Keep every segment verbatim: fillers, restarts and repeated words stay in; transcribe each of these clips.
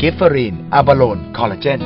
กิฟเฟอรีนอะบาโลนคอลลาเจน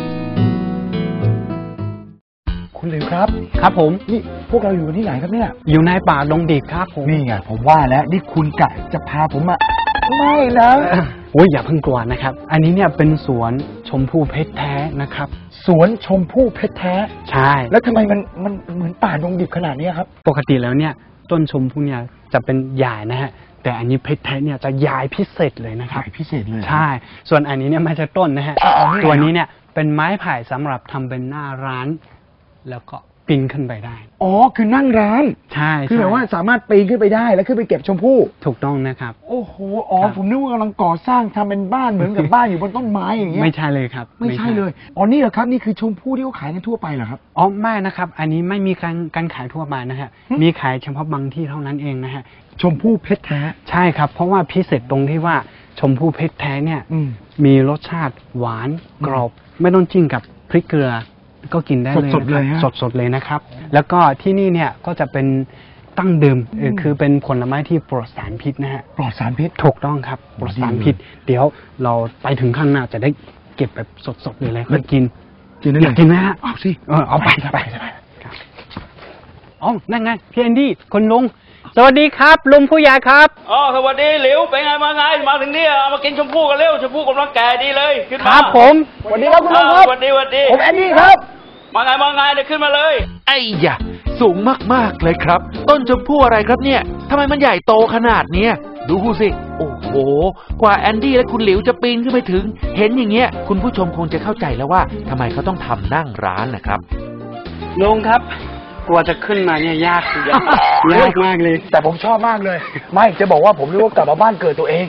คุณหลิวครับครับผมนี่พวกเราอยู่ที่ไหนครับเนี่ยอยู่ในป่าดงดิบครับผมนี่ไงผมว่าแล้วนี่คุณกะจะพาผมมาไม่นะโอ้ยอย่าเพิ่งกลัวนะครับอันนี้เนี่ยเป็นสวนชมพู่เพชรแท้นะครับสวนชมพู่เพชรแท้ใช่แล้วทำไมมันมันเหมือนป่าดงดิบขนาดนี้ครับปกติแล้วเนี่ยต้นชมพู่เนี่ยจะเป็นใหญ่นะฮะแต่อันนี้เพชรแท้เนี่ยจะใหญ่พิเศษเลยนะครับพิเศษเลยใช่ส่วนอันนี้เนี่ยไม่ใช่ต้นนะฮะตัวนี้เนี่ยเป็นไม้ไผ่สำหรับทำเป็นหน้าร้านแล้วก็ปีนขึ้นไปได้อ๋อคือนั่งร้านใช่คือแบบว่าสามารถปีนขึ้นไปได้แล้วขึ้นไปเก็บชมพู่ถูกต้องนะครับโอ้โหอ๋อผมนึกว่ากำลังก่อสร้างทำเป็นบ้านเหมือนกับบ้านอยู่บนต้นไม้อย่างเงี้ยไม่ใช่เลยครับไม่ใช่เลยอ๋อนี่เหรอครับนี่คือชมพู่ที่เขาขายกันทั่วไปเหรอครับอ๋อไม่นะครับอันนี้ไม่มีการการขายทั่วไปนะฮะมีขายเฉพาะบางที่เท่านั้นเองนะฮะชมพู่เพชรแท้ใช่ครับเพราะว่าพิเศษตรงที่ว่าชมพู่เพชรแท้เนี่ยมีรสชาติหวานกรอบไม่ต้องจิ้มกับพริกเกลือก็กินได้เลยสดๆเลยสดๆเลยนะครับแล้วก็ที่นี่เนี่ยก็จะเป็นตั้งเดิมคือเป็นผลไม้ที่ปลอดสารพิษนะฮะปลอดสารพิษถูกต้องครับปลอดสารพิษเดี๋ยวเราไปถึงข้างหน้าจะได้เก็บแบบสดๆเลยเลยค่อยกินกินได้เลยอยากกินไหมฮะเอาสิเออเอาไปไปอ๋อนั่นไงพี่แอนดี้คนลุงสวัสดีครับลุงผู้ใหญ่ครับอ๋อสวัสดีหลิวเป็นไงมาไงมาถึงนี่เอามากินชมพู่กันเร็วชมพู่กำลังแก่ดีเลยขึ้นมาครับผมสวัสดีครับคุณลุงครับสวัสดีสวัสดีผมแอนดี้ครับมาไงมาไงเดี๋ยวขึ้นมาเลยไอ้ยะสูงมากๆเลยครับต้นชมพู่อะไรครับเนี่ยทำไมมันใหญ่โตขนาดเนี้ยดูสิโอ้โหกว่าแอนดี้และคุณหลิวจะปีนขึ้นไปถึงเห็นอย่างเงี้ยคุณผู้ชมคงจะเข้าใจแล้วว่าทำไมเขาต้องทำนั่งร้านนะครับลุงครับกลัวจะขึ้นมาเนี่ยยากยากยากมากเลยแต่ผมชอบมากเลยไม่จะบอกว่าผมรู้ว่ากลับมาบ้านเกิดตัวเอง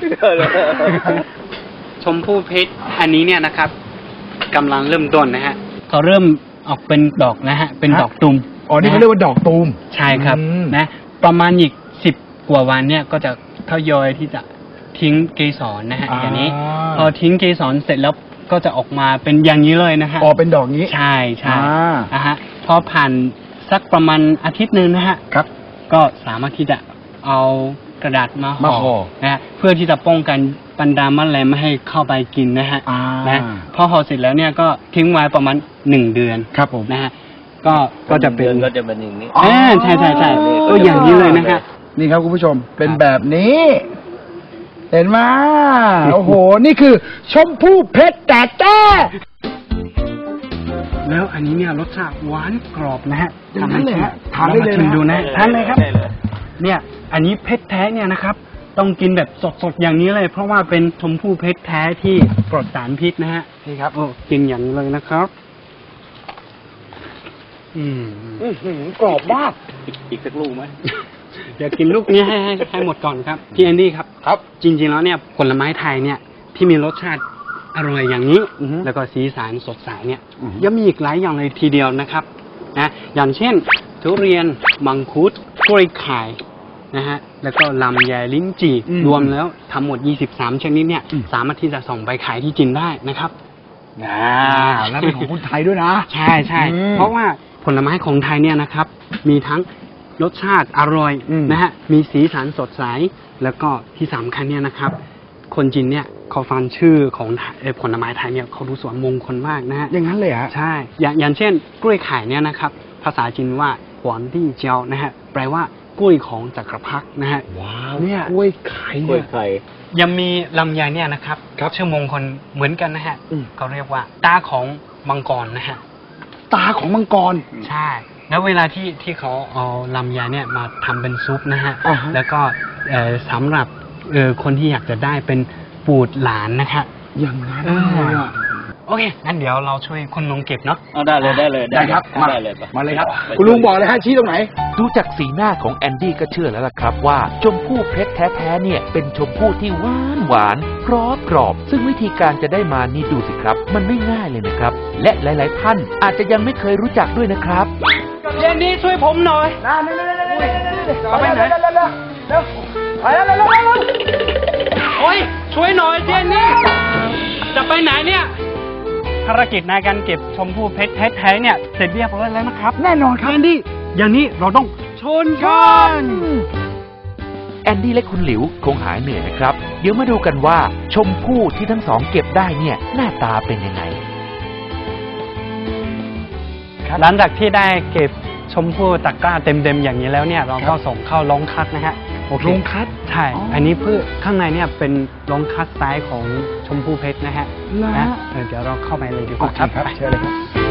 ชมพู่เพชรอันนี้เนี่ยนะครับกำลังเริ่มต้นนะฮะเขาเริ่มออกเป็นดอกนะฮะเป็นดอกตูมอ๋อนี่เขาเรียกว่าดอกตูมใช่ครับนะประมาณอีกสิบกว่าวันเนี่ยก็จะทยอยที่จะทิ้งเกสรนะฮะอย่างนี้พอทิ้งเกสรเสร็จแล้วก็จะออกมาเป็นอย่างนี้เลยนะฮะอ๋อเป็นดอกนี้ใช่ใช่อ่าฮะพอผ่านสักประมาณอาทิตย์หนึ่งนะฮะครับก็สามารถที่จะเอากระดาษมาห่อนะฮะเพื่อที่จะป้องกันบรรดาแมลงไม่ให้เข้าไปกินนะฮะนะพอห่อเสร็จแล้วเนี่ยก็ทิ้งไว้ประมาณหนึ่งเดือนครับผมนะฮะก็ก็จะเป็นก็จะเป็นอย่างนี้อ่าใช่ใช่ใช่ก็อย่างนี้เลยนะฮะนี่ครับคุณผู้ชมเป็นแบบนี้เห็นไหมโอ้โหนี่คือชมพู่เพชรแท้แล้วอันนี้เนี่ยรสชาติหวานกรอบนะฮะทำให้เลยฮะทานได้เลยดูนะทานเลยครับเนี่ยอันนี้เพชรแท้เนี่ยนะครับต้องกินแบบสดๆอย่างนี้เลยเพราะว่าเป็นชมพู่เพชรแท้ที่ปลอดสารพิษนะฮะนี่ครับโอ้กินอย่างนี้เลยนะครับอืมกรอบมากอีกสักลูกไหมเดี๋ยวกินลูกนี้ให้ให้ให้หมดก่อนครับพี่แอนดี้ครับครับจริงๆแล้วเนี่ยผลไม้ไทยเนี่ยที่มีรสชาติอร่อยอย่างนี้แล้วก็สีสันสดใสเนี่ยยังมีอีกหลายอย่างเลยทีเดียวนะครับนะอย่างเช่นทุเรียนมังคุดกล้วยไข่นะฮะแล้วก็ลำไยลิ้นจี่รวมแล้วทั้งหมดยี่สิบสามชนิดเนี่ยสามารถที่จะส่งไปขายที่จีนได้นะครับอ่าแล้วเป็นของคนไทยด้วยนะใช่ใช่เพราะว่าผลไม้ของไทยเนี่ยนะครับมีทั้งรสชาติอร่อยนะฮะมีสีสันสดใสแล้วก็ที่สำคัญเนี่ยนะครับคนจีนเนี่ยเขาฟังชื่อของผลไม้ไทยเนี่ยเขาดูสวยมงคลมากนะฮะอย่างนั้นเลยฮะใช่อย่างอย่างเช่นกล้วยไข่เนี่ยนะครับภาษาจีนว่าหวานที่เจียวนะฮะแปลว่ากล้วยของจักรพรรดินะฮะว้าวเนี่ยกล้วยไข่กล้วยไข่ยังมีลำไยเนี่ยนะครับชื่อมงคลเหมือนกันนะฮะเขาเรียกว่าตาของมังกรนะฮะตาของมังกรใช่แล้วเวลาที่ที่เขาเอาลำไยเนี่ยมาทำเป็นซุปนะฮะแล้วก็สำหรับคนที่อยากจะได้เป็นปูดหลานนะคะอย่างนั้นโอเคงั้นเดี๋ยวเราช่วยคุณลุงเก็บเนาะเอาได้เลยได้เลยได้ครับมาเลยมาเลยครับคุณลุงบอกเลยฮะชี้ตรงไหนดูจากสีหน้าของแอนดี้ก็เชื่อแล้วล่ะครับว่าชมพู่เพชรแท้ๆเนี่ยเป็นชมพู่ที่หวานหวานกรอบกรอบซึ่งวิธีการจะได้มานี่ดูสิครับมันไม่ง่ายเลยนะครับและหลายๆท่านอาจจะยังไม่เคยรู้จักด้วยนะครับเย็นนี้ช่วยผมหน่อยนะนี่ๆๆๆไปไหนเร็วไปแล้วโอ้ยช่วยหน่อยเจนนี่จะไปไหนเนี่ยภารกิจในการเก็บชมพู่เพชรแท้ๆเนี่ยเสร็จเรียบร้อยแล้วนะครับแน่นอนครับเจนนี่อย่างนี้เราต้องชนกันแอนดี้และคุณหลิวคงหายเหนื่อยนะครับเดี๋ยวมาดูกันว่าชมพู่ที่ทั้งสองเก็บได้เนี่ยหน้าตาเป็นยังไงหลังจากที่ได้เก็บชมพู่ตะกร้าเต็มๆอย่างนี้แล้วเนี่ยเราก็ส่งเข้าโรงคัดนะฮะโอเคโรงคัดใช่ อันนี้เพื่อข้างในเนี่ยเป็นโรงคัดไซส์ของชมพู่เพชรนะฮะนะนะเออเดี๋ยวเราเข้าไปเลยดีกว่าครับครับเชิญเลยครับ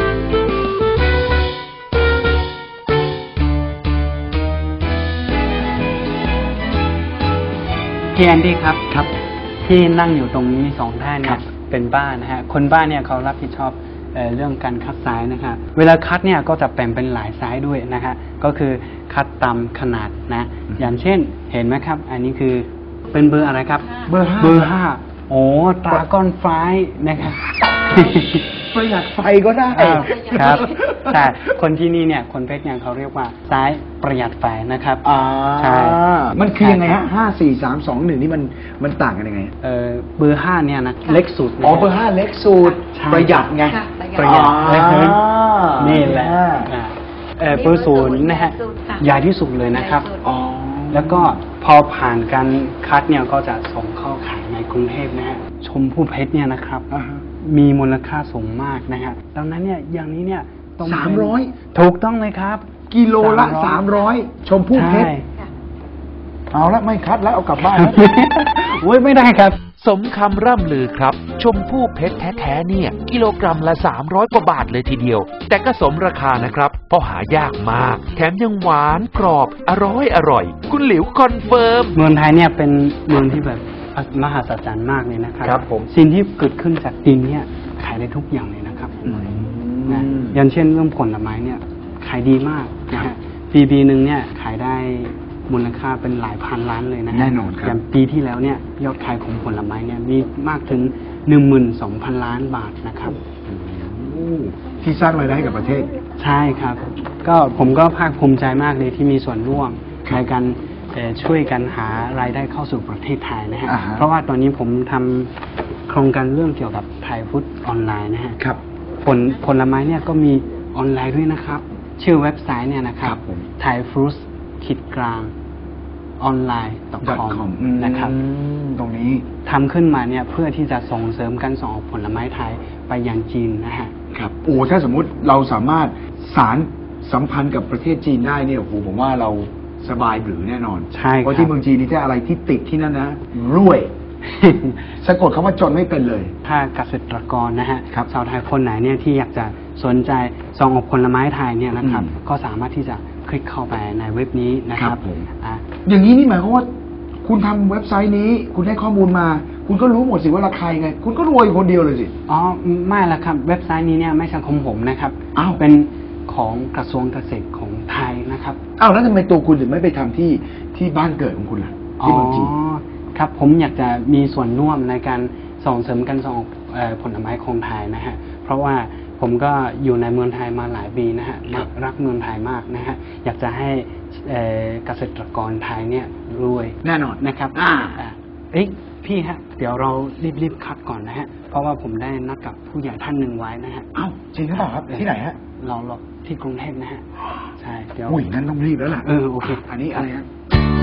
พี่แอนดี้ครับครับที่นั่งอยู่ตรงนี้สองท่านเนี่ยเป็นบ้านนะฮะคนบ้านเนี่ยเขารับผิดชอบเอ่อเรื่องการคัดไซส์นะครับเวลาคัดเนี่ยก็จะแบ่งเป็นหลายไซส์ด้วยนะฮะก็คือคัดตามขนาดนะอย่างเช่นเห็นไหมครับ อันนี้คือเป็นเบอร์อะไรครับเบอร์ห้าเบอร์ห้าโอ้ตราก้อนไฟนะครับประหยัดไฟก็ได้อ้าวครับใช่คนที่นี่เนี่ยคนเพชรเนี่ยเขาเรียกว่าไซส์ประหยัดไฟนะครับอ่าใช่มันคือยังไงฮะห้าสี่สามสองหนึ่งนี่มันมันต่างกันยังไงเออเบอร์ห้าเนี่ยนะเล็กสุดนะอ๋อเบอร์ห้าเล็กสุดใช่ประหยัดไงค่ะประหยัดอ่านี่แหละอ่าเอ่อเบอร์ศูนย์นะฮะใหญ่ที่สุดเลยนะครับอ๋อแล้วก็พอผ่านการคัดเนี่ยก็จะส่งเข้าขายในกรุงเทพนะฮะชมพู่เพชรเนี่ยนะครับอ่าฮะมีมูลค่าสูงมากนะฮะดังนั้นเนี่ยอย่างนี้เนี่ยต้องเป็นสามร้อยถูกต้องเลยครับกิโลละสาสาม มร้ร้ออย ยชมพู่เพชรใช่เอาละไม่คัดแล้วเอากลับบ้านแล้วโอ้ยไม่ได้ครับสมคำร่ำลือครับชมพู่เพชรแท้ๆเนี่ยกิโลกรัมละสามร้อยกว่าบาทเลยทีเดียวแต่ก็สมราคานะครับเพราะหายากมากแถมยังหวานกรอบอร่อยอร่อยคุณหลิวคอนเฟิร์มเมืองไทยเนี่ยเป็นเมืองที่แบบมหัศจรรย์มากเลยนะครับครับผมสิ่งที่เกิดขึ้นจากดินเนี่ยขายได้ทุกอย่างเลยนะครับนะอย่างเช่นเรื่องผลไม้เนี่ยขายดีมากนะฮะปีปีหนึ่งเนี่ยขายได้มูลค่าเป็นหลายพันล้านเลยนะฮะแน่นอนครับอย่างปีที่แล้วเนี่ยยอดขายของผลไม้เนี่ยมีมากถึงหนึ่งหมื่นสองพันล้านบาทนะครับที่สร้างรายได้ให้กับประเทศใช่ครับ ก็ผมก็ภาคภูมิใจมากเลยที่มีส่วนร่วมครับในการเอ่อช่วยกันหารายได้เข้าสู่ประเทศไทยนะฮะอ่าฮะเพราะว่าตอนนี้ผมทำโครงการเรื่องเกี่ยวกับไทยฟู้ดออนไลน์นะฮะครับผลผลไม้เนี่ยก็มีออนไลน์ด้วยนะครับ ชื่อเว็บไซต์เนี่ยนะครัครับ บผมไทยฟรุตขีดกลางออนไลน์ .com นะครับตรงนี้ทำขึ้นมาเนี่ยเพื่อที่จะส่งเสริมการส่งออกผลไม้ไทยไปยังจีนนะฮะครับโอ้ถ้าสมมุติเราสามารถสารสัมพันธ์กับประเทศจีนได้เนี่ยโอ้โหผมว่าเราสบายหรือแน่นอนใช่ครับเพราะที่เมืองจีนนี่ถ้าอะไรที่ติดที่นั่นนะรวย สะกดคำว่าจนไม่เป็นเลยถ้าเกษตรกรนะฮะครับชาวไทยคนไหนเนี่ยที่อยากจะสนใจส่งออกผลไม้ไทยเนี่ยนะครับอืมก็สามารถที่จะคลิกเข้าไปในเว็บนี้นะคครัรับบผมอ่ะอย่างนี้นี่หมายความว่า คุณทำเว็บไซต์นี้ คุณให้ข้อมูลมา คุณก็รู้หมดสิว่าราคายังไง คุณก็รวยอยู่คนเดียวเลยสิอ๋อไม่ละครับ เว็บไซต์นี้เนี่ยไม่ใช่ของผมนะครับอ้าวเป็นของกระทรวงเกษตรของไทยนะครับอ้าวแล้วทำไมตัวคุณถึงไม่ไปทำที่ที่บ้านเกิดของคุณล่ะที่เมืองจีนครับผมอยากจะมีส่วนร่วมในการส่งเสริมการส่งออกเอ่อผลไม้ของไทยนะฮะเพราะว่าผมก็อยู่ในเมืองไทยมาหลายปีนะฮะครับรักเมืองไทยมากนะฮะอยากจะให้เอ่อเกษตรกรไทยเนี่ยรวยแน่นอนนะครับอ่าอ่าเอ้ยพี่ฮะเดี๋ยวเรารีบๆคัดก่อนนะฮะเพราะว่าผมได้นัดกับผู้ใหญ่ท่านหนึ่งไว้นะฮะอ้าวจริงหรือเปล่าครับที่ไหนฮะเราเราที่กรุงเทพนะฮะใช่เดี๋ยวอุ้ยนั่นต้องรีบแล้วล่ะเออโอเคอันนี้อะไรฮะ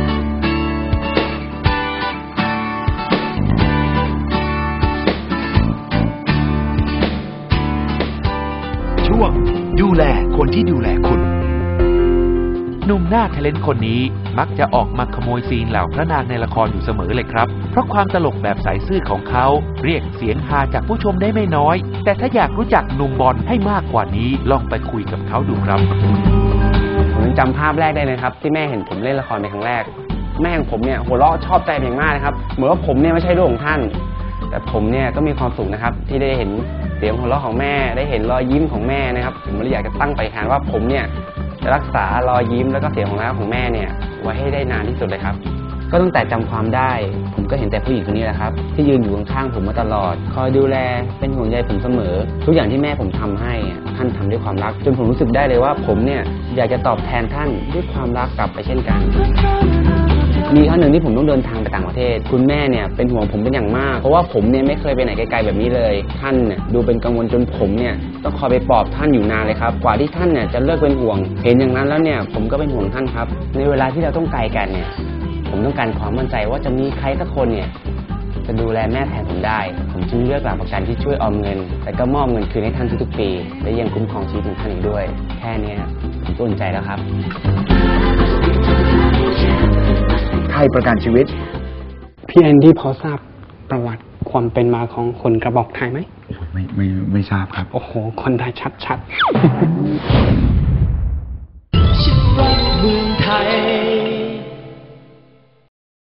ช่วงดูแลคนที่ดูแลคุณหนุ่มหน้าเทเลนต์คนนี้มักจะออกมาขโมยซีนเหล่าพระนางในละครอยู่เสมอเลยครับเพราะความตลกแบบใสซื่อของเขาเรียกเสียงฮาจากผู้ชมได้ไม่น้อย แต่ถ้าอยากรู้จักหนุ่มบอลให้มากกว่านี้ลองไปคุยกับเขาดูครับผมยังจำภาพแรกได้เลยครับที่แม่เห็นผมเล่นละครเป็นครั้งแรก แม่ของผมเนี่ยหัวเราะชอบใจเป็นอย่างมากนะครับเหมือนว่าผมเนี่ยไม่ใช่ลูกของท่าน แต่ผมเนี่ยก็มีความสุขนะครับที่ได้เห็นเสียงหัวเราะของแม่ได้เห็นรอยยิ้มของแม่นะครับผมเลยอยากจะตั้งปฏิฐานว่าผมเนี่ยจะรักษารอยยิ้มแล้วก็เสียงของเราของแม่เนี่ยไว้ให้ได้นานที่สุดเลยครับก็ตั้งแต่จำความได้ผมก็เห็นแต่ผู้หญิงคนนี้แหละครับที่ยืนอยู่ข้างๆผมมาตลอดคอยดูแลเป็นห่วงใยผมเสมอทุกอย่างที่แม่ผมทำให้อะท่านทำด้วยความรักจนผมรู้สึกได้เลยว่าผมเนี่ยอยากจะตอบแทนท่านด้วยความรักกลับไปเช่นกันมีครั้งหนึ่งที่ผมต้องเดินทางไปต่างประเทศคุณแม่เนี่ยเป็นห่วงผมเป็นอย่างมากเพราะว่าผมเนี่ยไม่เคยไปไหนไกลๆแบบนี้เลยท่านเนี่ยดูเป็นกังวลจนผมเนี่ยต้องคอยไปปลอบท่านอยู่นานเลยครับกว่าที่ท่านเนี่ยจะเลิกเป็นห่วงเห็นอย่างนั้นแล้วเนี่ยผมก็เป็นห่วงท่านครับในเวลาที่เราต้องไกลกันเนี่ยผผมต้องการความมั่นใจว่าจะมีใครสักคนเนี่ยจะดูแลแม่แทนผมได้ผมจึงเลือกหลักประกันที่ช่วยออมเงินและก็มอบเงินคืนให้ท่านทุกๆปีและยังคุ้มครองชีวิตของท่านอีกด้วยแค่นี้ผมก็อุ่นใจแล้วครับไทยประกันชีวิตพี่แอนดี้พอทราบประวัติความเป็นมาของคนกระบอกไทยไหมไม่ไม่ไม่ทราบครับโอ้โห คนไทยชัดๆ